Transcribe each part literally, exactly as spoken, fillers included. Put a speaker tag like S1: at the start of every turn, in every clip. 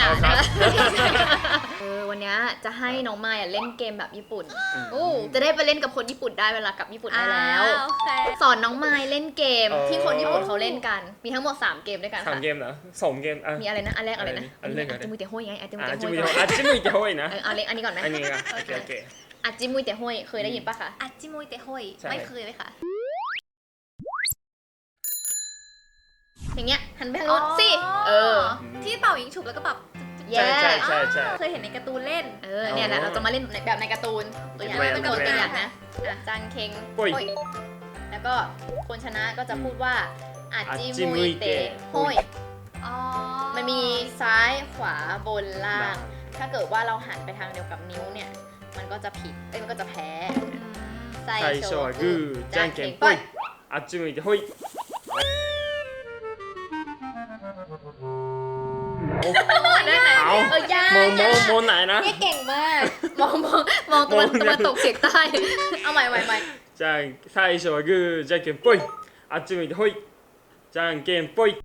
S1: ด่า
S2: ครั
S1: นะ
S2: บ
S1: เออวันนี้จะให้น้องมายเล่นเกมแบบญี่ปุ่นอู้จะได้ไปเล่นกับคนญี่ปุ่นได้เวลากลับญี่ปุ่นได้แล้ว
S3: โอเค
S1: สอนน้องมายเล่นเกม
S2: อ๋อ
S1: ที่คนญี่ปุ่นเขาเล่นกัน มีทั้งหมดสามเกมด้วยกัน
S2: สาม
S1: ค่ะ
S2: เกมเหรอสองเกมอ่ะ
S1: มีอะไรนะ อันแรกอะไรนะ
S2: อันแรกอะไร
S1: อาจิมุยเตะห้อยไงอาจิมุย
S2: อ่ะ
S1: เตะ
S2: จิ
S1: ห้อย
S2: มุยเตะอ่ะจิมุยเตะโฮยนะ
S1: เออเอาเล็กอันนี้ก่อนไหม
S2: อันนี้อ่ะโอเคโอเค
S1: อาจิมุยเตะห้อยเคยได้ยินปะคะ
S3: อาจิมุยเตะห้อย
S2: ใช่
S3: ไม่เคยเลยค่ะ
S1: อย่างเงี้ยหันไปทางโน้นสิ เออ
S3: ที่เป่ายิงฉุบแล้วก็แบบ
S1: แย่
S2: ใช่ใช่ใช่
S3: เคยเห็นในการ์ตูนเล่น
S1: เออเนี่ยแหละเราจะมาเล่นแบบในการ์ตูนตัวอย่าง
S2: ตัวอย่าง
S1: เป็นตัวอย่างนะอ่ะจังเคง
S2: ปุ้ย
S1: โฮ้ยแล้วก็คนชนะก็จะพูดว่าอาจิ
S2: อาจิ
S1: มุ
S2: มุ
S1: ย
S2: ย
S1: เตะ
S2: เตะ
S1: ห้อย
S3: อ๋อ
S1: มันมีซ้ายขวาบนล่าง
S2: ล่าง
S1: ถ้าเกิดว่าเราหันไปทางเดียวกับนิ้วเนี่ย มันก็จะผิด เอ้ยมันก็จะแพ้
S3: อืม
S1: ไซ
S2: 最
S1: โช
S2: 初はグーじゃんけんぽいあっち向いてほい
S1: ได้ไหม
S2: เอา
S1: เออยาก
S2: มองมองมองไหนนะ
S1: เนี่ยเก่งมาก มองมองมองตะวัน
S2: มอง
S1: ตะวันตกเฉียงใต้ เอาใหม่ใหม่ใหม่
S2: じゃん最初はグーじゃんけんぽいあっち向いてほいじゃんけんぽい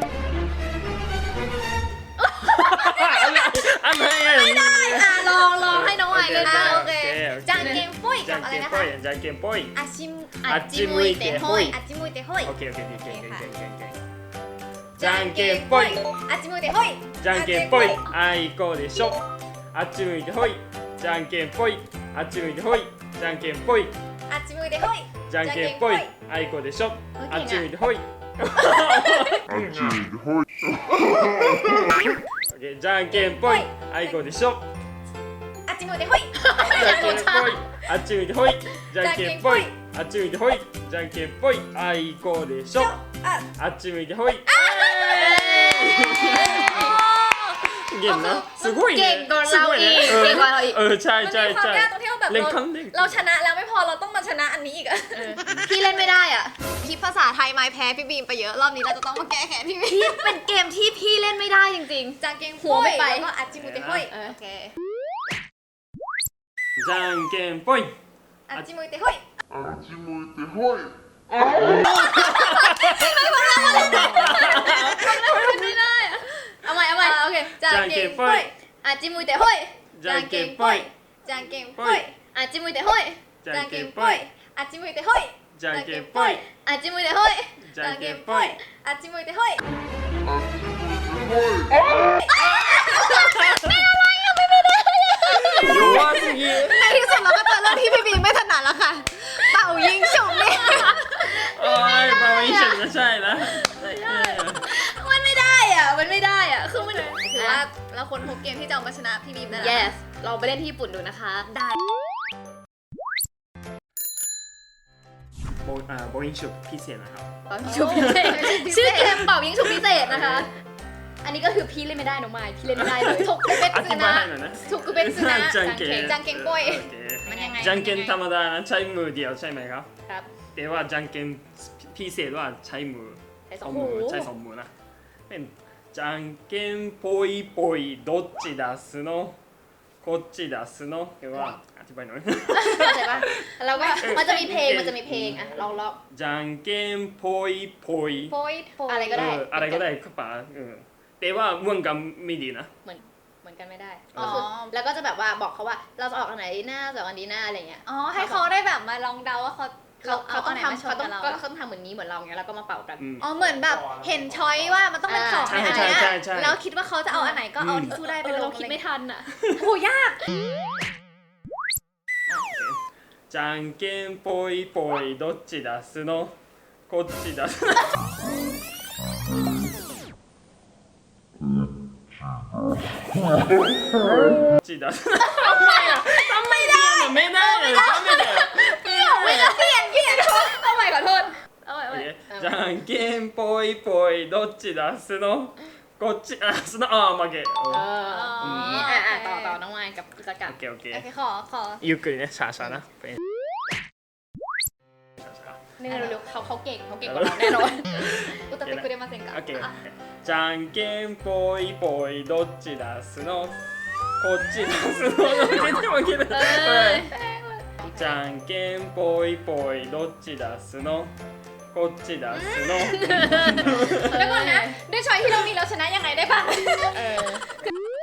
S2: อะไรอะไรไม่ได้
S1: อ่ะลองลองให้น้องไอเล่น
S3: อ่ะ
S1: บ้าง
S3: โอเค
S2: โอเค
S3: จางเกงปุ้ย
S2: じゃ
S3: กับ
S2: ん
S3: อะไร
S2: けん
S3: นะ
S2: ぽ
S3: คะ
S2: いじゃんけんぽい
S3: อาชิม
S1: อาจิมุยเตะห้อย
S3: อาจิมุยเตะห้อย
S2: オッケーオッケーオッケーオッケーオッケーオッケーオッケーじゃんけんぽい
S3: อาจิมุยเตะห้อย
S2: じゃんけんぽいあいこでしょあっち向いてほいじゃんけんぽいあっち向いてほいじゃんけんぽい
S3: อาจิมุยเตะห้อย
S2: じゃんけんぽいあいこでしょあっち向いてほい
S4: あっち向いてほい。
S2: オッケーじゃんけんぽいあいこでしょ
S3: อาจิมุยเตะห้อย
S2: じゃんけんぽいあっち向いてほいじゃんけんぽいあっち向いてほいじゃんけんぽいあいこでしょ
S3: อ่ะ
S2: あっち向いてほいเก่งนะすごい
S1: เก่ง
S2: ね
S1: กว่า
S2: す
S1: เรา
S2: ごい
S1: อีก
S2: ね
S1: เก่งกว่าเราอีก
S2: เออใช่
S3: มัน
S2: ใช่
S3: มีความ
S2: ใช่
S3: ยากตรงที่ว่าแบบ
S2: เล่น
S3: เรา
S2: ครั้งเล่น
S3: เราชนะแล้วไม่พอเราต้องมาชนะอันนี้อีกอะ
S1: เออพี่เล่นไม่ได้อ่ะ
S3: พี่ภาษาไทยไม่แพ้พี่บีมไปเยอะรอบนี้เราจะต้องมาแก้แค้นพี่บีม
S1: พี่เป็นเกมที่พี่เล่นไม่ได้จริง
S3: จางเกง
S1: หัวไม่ไป
S3: แล้วก็อาจิมุยเตะห้อย
S1: เออ
S3: โอเค
S2: じゃんけんぽい
S3: อาจิมุยเตะห้อย
S4: あっち向いてほい。
S1: ไม่ได้อะเอาใหม่เอาใหม่
S3: อ่ะโอเคจางเกงปุ้ย
S1: อาจิมุยเตะห้อย
S2: じゃんけんぽい
S3: จางเกงปุ้ย
S1: อาจิมุยเตะห้อย
S2: じゃ
S3: จาง
S2: ん
S3: เก
S2: け
S3: ง
S2: んぽ
S3: ปุ้ย
S2: い
S3: อาจิมุยเตะห้อย
S2: じゃんけんぽい
S1: อาจิมุยเตะห้อย
S2: じゃんけんぽい
S3: อาจิมุยเตะห้อย
S2: 弱すぎ
S3: ในที่สุดเราก็เจอเรื่องที่พี่บีมไม่ถนัดแล้วค่ะเป่ายิงฉุบเนี่ย
S2: โอ้ยมาไม่ใช่ไม่ใช่นะ
S1: มันไม่ได้อ่ะ มันไม่ได้อ่ะ คือมัน
S3: ถือว่าเราคนพบเกมที่จะเอามาชนะพี่บีมได้แล้ว
S1: yes เราไปเล่นที่ญี่ปุ่นดูนะคะ ได้
S2: โบอ่าโบอิงชุบพิเศษนะครับ
S1: เป่ายิงฉุบพิเศษชื่อเกมเป่ายิงฉุบพิเศษนะคะ อันนี้ก็คือพี่เล่นไม่ได้น้องไม้พี่เล่นไม่ได้เลยทุกเป็น
S2: อธิ
S1: ซึ
S2: บาย
S1: นะ
S2: ให้หน่อยนะ
S1: ทุกเป็นซึนะ
S2: じゃんけん
S3: จางเกงปุ้ย
S2: โอเค
S3: มันยังไง
S2: じゃんけんธรรมดานะใช้มือเดียวใช่ไหมครับ
S1: ครับ
S2: แต่ว่าじゃんけんพิเศษว่าใช้มือ
S1: ใช้ส
S2: ส
S1: อ
S2: อง ง
S1: มื
S2: มื
S1: อ
S2: อใช้สองมือนะเป็นじゃんけんぽいぽいどっち出すのこっち出すのเรียกว่าอธิบายหน่อย
S1: เข้าใจปะแล้วก็มันจะมีเพลง มันจะมีเพลงอ่ะลองลอง
S2: じゃんけんぽいぽい
S3: โป้ยโป้ย
S1: อะไรก็ได้
S2: เอออะไรก็ได้ครับป๋าเออแต่ว่าเหมือนกันไม่ดีนะ
S1: เหมือนเหมือนกันไม่ได้
S3: อ๋อ
S1: ก็คือแล้วก็จะแบบว่าบอกเขาว่าเราจะออกอันไหนดีหน้าจะออกอันนี้หน้าอะไรเงี้ย
S3: อ๋อให้เขาได้แบบมาลองเดาว่าเขา
S1: เขาเขาต้อง
S3: ไหนมา
S1: ทำ
S3: ช
S1: เขา
S3: น
S1: ต้อ
S3: กั
S1: ง
S3: บเรา
S1: ก็เขาต้องทำเหมือนนี้เหมือนเราเงี้ยแล้วก็มาเป่ากัน
S2: อืม
S3: อ๋อเหมือนแบบเห็นช้อยว่ามันต้องเป็นของ
S1: ใช่
S3: ในอัน
S2: ใช่
S3: เนี้ย
S2: ใช่ใช่
S3: แล้วคิดว่าเขาจะเอาอันไหนก็เอา
S2: อืม
S3: ที่สู้ได้ไป
S1: เออ
S3: ล
S1: เรา
S3: ง
S1: คิดไม่ทันอ่ะ
S3: โอ้ยาก
S2: じゃんけんぽいぽいどっち出すのこっち出すのこっち出すのทำไมอ่ะทำไมได้ไม่ได้เลยทำไม่ได้
S3: ไม่ได้เปลี่ยนเปลี่ยนเอาใหม่ขอโทษเอาใหม่เอา
S2: โอ
S3: ใหม่
S2: เคじゃんけんぽいぽいどっち出すのこっち出すのあー負け
S1: เอออย่างนี้อ่ะอ่ะต่อต่อน้องไม้กับกิจกรร
S2: โอ
S1: ม
S2: เคโอเค
S3: โอเคขอขอ
S2: ゆっくりねช้าๆนะเป็นช้า
S1: นี่เร็วๆเขาเขาเก่งเขาเก่งกว่าเราแน่นอน
S3: อุตตะเตกุเรมาเซนกะ
S2: ๆโอเคじゃんけんぽいぽいどっち出すのこっち出すの全然負けない
S1: เอ้ย
S2: じゃんけんぽいぽいどっち出すのこっち出すの
S3: แล้วก่อนนะด้วยช้อยที่เรามีเราชนะยังไงได้บ้าง
S1: เออ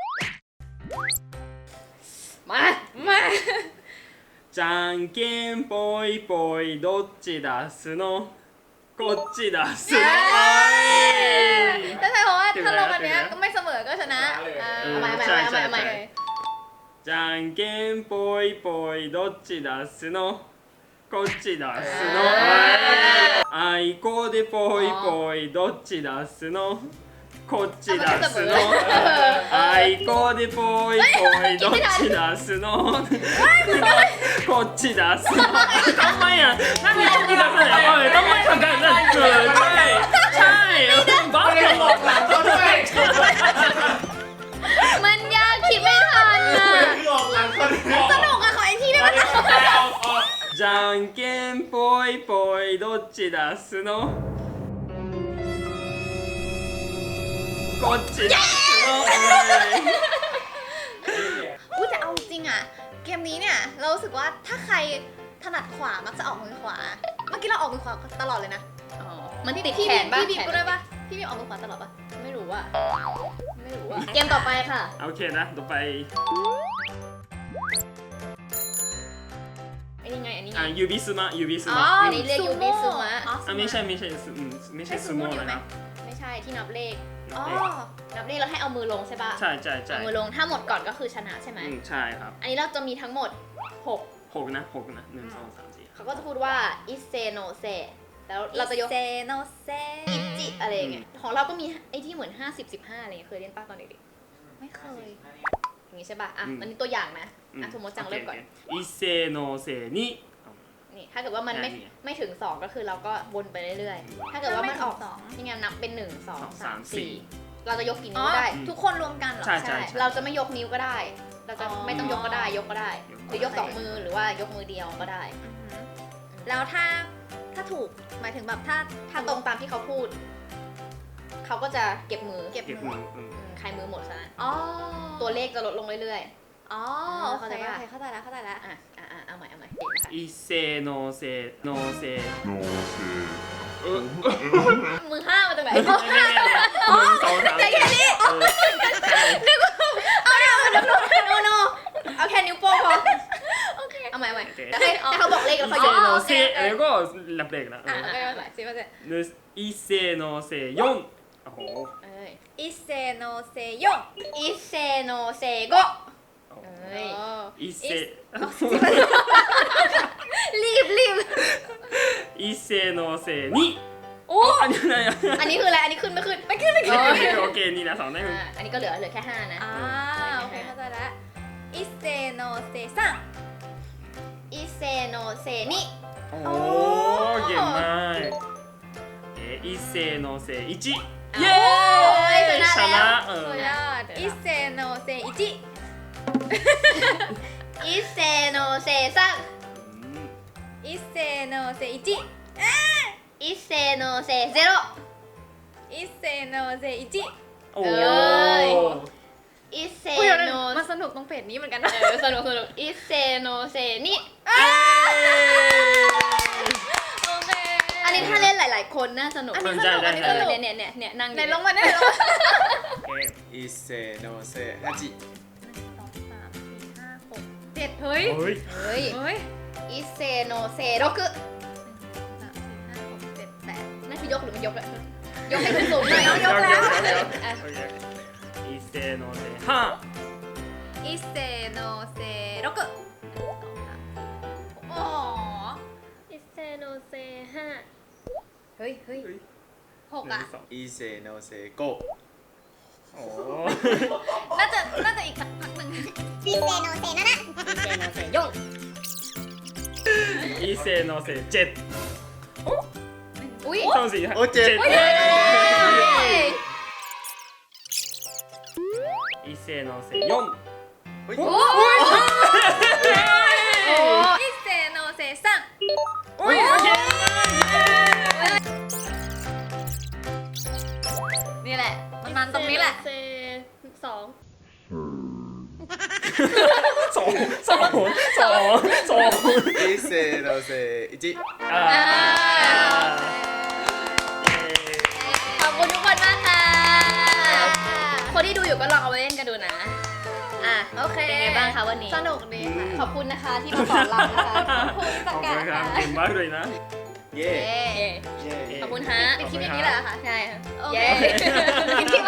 S1: มา มา
S2: じゃんけんぽいぽいどっち出すのこっち出すの
S3: ถ้าใช่เพราะว่าถ้าลงอันเนี้ยก็ไม่เสมอก็ชนะอ่า
S1: เอาใหม่เอาใหม่เอาใหม่เอาใหม่
S2: じゃんけんぽいぽいどっち出すのこっち出すのあいこでぽいぽいどっち出すのこっち出すのあいこでぽいぽいどっち出すのこっち出すのทำไมอ่ะนั่นนี่ต้องมีการแสดงว่าเลยต้องไม่ทำการนั่นเกิดใช่ใช่บ้าเลยหลอกหลังเขาด้วย
S1: มันยากคิดไม่ทันอ่ะ
S2: หลอกหลังเขาด้วย
S3: สนุกอะขออีกทีได้ไหม
S2: じゃんけんぽいぽいどっち出すのこっち出すの
S3: พูดแต่เอาจริงอะเกมนี้เนี่ยเรารู้สึกว่าถ้าใครถนัดขวามักจะออกมือขวา เมื่อกี้เราออกมือขวาตลอดเลยนะ
S1: อ๋อมันติด
S3: พี่
S1: แขนบ้าง
S3: พี่บีบก็ได้ปะพี่บีบออกมือขวาตลอดปะ
S1: ไม่รู้อ่ะ ไม่รู้อ่ะ เกมต่อไปค่ะ
S2: โอเคนะต่อไป
S1: อันนี้ไง อันนี้ไง
S2: อ่ะยูบิสมะยูบิส
S3: อ๋อ
S2: มะ
S1: อันนี้เรียกยูบิซูมะ
S3: อ๋อ
S2: อ่ะไม่ใช่ไม่ใช่อืมไม่ใช่ซูโม่เลยนะ
S1: ไม่ใช่ที่นับเลข
S3: อ๋อ
S1: นับเลขแล้วให้เอามือลงใช่ปะ
S2: ใช่ใช่ใช่
S1: เอามือลง ถ้าหมดก่อนก็คือชนะใช่ไหม
S2: อืมใช่ครับ
S1: อันนี้เราจะมีทั้งหมดหก
S2: หกนะหกนะหนึ่งสองสามสี่
S1: เขาก็จะพูดว่าอิเซโนเซแล้วเราจะยก
S3: เซโนเซ
S1: อิจิอะไรอย่างเงี้ย ของเราก็มีไอ้ที่เหมือนห้าสิบ สิบห้าอะไรเงี้ยเคยเล่นป้าตอนเด็ก
S3: ไม่เคย
S1: ๆอย่างงี้ใช่ป่ะ อ่ะอันนี้ตัวอย่างนะ อ่ะสมมติจังเริ่มก่อน
S2: อิเซโนเซนิ
S1: นี่ ถ้าเกิดว่ามันไม่
S2: ได้นี่
S1: ไม่ถึงสองก็คือเราก็วนไปเรื่อยๆ ถ้าเกิดว่ามันออก
S3: ถ้าไม่ถึงสอง
S1: นี่ไงนับเป็นหนึ่งสอง
S2: สอง
S1: สา
S2: สาม ม
S1: สี่
S2: สี่
S1: เราจะยกกี่
S3: อ๋
S1: นิ้
S3: อ
S1: วได้
S3: ทุกคนรวมกันเหรอ
S2: ใช่ใช่
S1: เราจะไม่ยกนิ้วก็ได้ เราจะ
S3: อ๋อ
S1: ไม่ต้องยกก็ได้ ยกก็ได้
S2: ยก
S1: หรือยกสองมือหรือว่ายกมือเดียวก็ได้
S3: อือหือแล้วถ้าถ้าถูกหมายถึงแบบถ้า
S1: ถ้าตรงตามที่เขาพูด เขาก็จะเก็บมือ
S3: เก็บ
S2: เก็บ
S3: มื
S2: มื
S3: อ
S2: ออืม
S1: อืมใครมือหมดซะนั้น
S3: อ๋อ
S1: ตัวเลขจะลดลงเรื่อย
S3: อ๋อ
S1: อ่า
S3: โอ
S1: เข้า
S3: เค
S1: ใจ
S3: โอ
S1: ปะ
S3: เคเข้าใจแล้วเข้าใจแล้ว
S1: ๆ อ่ะอ่ะอ่ะเอาใหม่เอาใหม่
S2: อิเซโนเซโนเซ
S4: のせ
S1: มือห้ามาจากไหน
S2: ไม่ไม่ไม่หนึ่งสองสามสี่เออใช่
S1: โนโนเอาแค่นิ้วโป้งพอ โอเค เอาใหม่เอาใหม่แต่ให้ให้เขาบอกเลขแล้ว
S2: อิ
S1: เขา
S2: เซ
S1: ยก
S2: โนเซแล้วก็รับเลขนะ
S1: อ่ะโอเคเอาใหม่สิมาสิ
S2: นึกอิเซโนเซยอนโอ้โห
S1: เอ้ย
S3: อิเซโนเซโย
S1: อิเซโนเซโกะเอ้ย
S2: อิเซ
S1: รีบรีบ
S2: อิเซโนเซนิ
S1: โอ้
S2: อันนี้อะไรอ่ะ
S1: อันนี้คืออะไร อันนี้ขึ้นไม่ขึ้น ไม่ขึ้นไม่ขึ้น
S2: โอเคโอเคนี่นะสองได้
S1: อ่าอันนี้ก็เหลือเหลือแค่ห้านะ
S3: อ่าโอเคเข้าใจแล้วอิเซโนเซซัง
S1: อิเซโนเซนิ
S2: โอ้เก่งมากเออิเซโนเซอิจิเย้
S1: ชนะแล้ว
S2: เออ
S3: สุดยอดอิเซโนเซอิจิ
S1: อิเซโนเซซัง
S3: อิเซโนเซอิจิ
S1: อิเซโนเซเซโร
S3: อิเซโนเซอิจิ
S2: โอ้
S1: เอ้ย อิเซ
S3: อุ้ย
S1: โน
S3: มันสนุกตรงเพจนี้เหมือนกัน
S1: เอ
S3: นะ
S1: อสนุกสนุกอิเซโนเซนิ
S3: โอเค
S1: อันนี้ถ้าเล่นหลาย ๆ คนน่าสนุก
S3: อันนี้
S2: ใช่ใช่
S1: เอ
S2: ใช่
S1: อเนี่ยเนี่ยเนี่ยเนี่ยนั่งอ
S3: ไหน
S1: ยู่
S3: ลงมาได้ไหนลงมา
S5: 一斉のせ八
S3: หนึ่งสองสามสี่ห้าหกเจ็ดเฮ้ย
S2: เฮ้ย
S1: เฮ้ย
S3: เฮ้ย
S1: อิเซโนเซโรกุ
S3: หนึ่งสองสามสี่ห้าหกเจ็ดแปด
S1: นั่นคือยกหรือไม่ยกอะยกให้ขึ้นสูงหน่อย
S3: ยกแล้ว
S1: อ่ะ
S2: โอเคอิเซโนเซห้า
S3: อิเซโนเซโรกุหนึ่งสองสามสี่ห้าหกอ๋อ
S1: อิเซโนเซห้าเฮ้ยเฮ้ย
S3: หกอ่ะ
S5: 一斉のせ五
S2: โอ้
S3: น่าจะน่าจะอีกสักพักหนึ่ง
S1: อิเซโนเซยง
S2: อิเซโนเซเจ็ด
S1: อุ้ย
S2: สองสี่ห้า
S5: おเจ็ด
S1: เย้
S2: อิเซโนเซยอน
S5: ほい
S1: โอ้
S3: อิเซโนเซซัง
S2: โอ้ยโอเค
S3: นี่แหละ มันมันตรงนี้แหละ
S1: เซสอง
S2: สองสองสองสอง
S5: 一斉のせ一
S2: อ่า
S1: ขอบคุณทุกคนมากค่ะ คนที่ดูอยู่ก็ลองเอาไปเล่นกันดูนะ อ่ะ
S3: โอเค
S1: เป็นไงบ้างคะวันนี้
S3: สนุกดีค่ะ
S1: ขอบคุณนะคะที่มาสอนเรานะคะขอบคุณ
S2: ข
S1: สั
S2: อก บ
S1: กา
S2: คุณครับ
S1: ค่ะ
S2: เก่งมากเลยนะ
S5: เย่
S3: เย้
S1: เย้
S5: เย่
S1: ขอบคุณฮะ
S3: ปิดคลิปอย่างนี้เหรอคะ
S1: ใช่ค่ะ
S3: โอเค
S1: เย้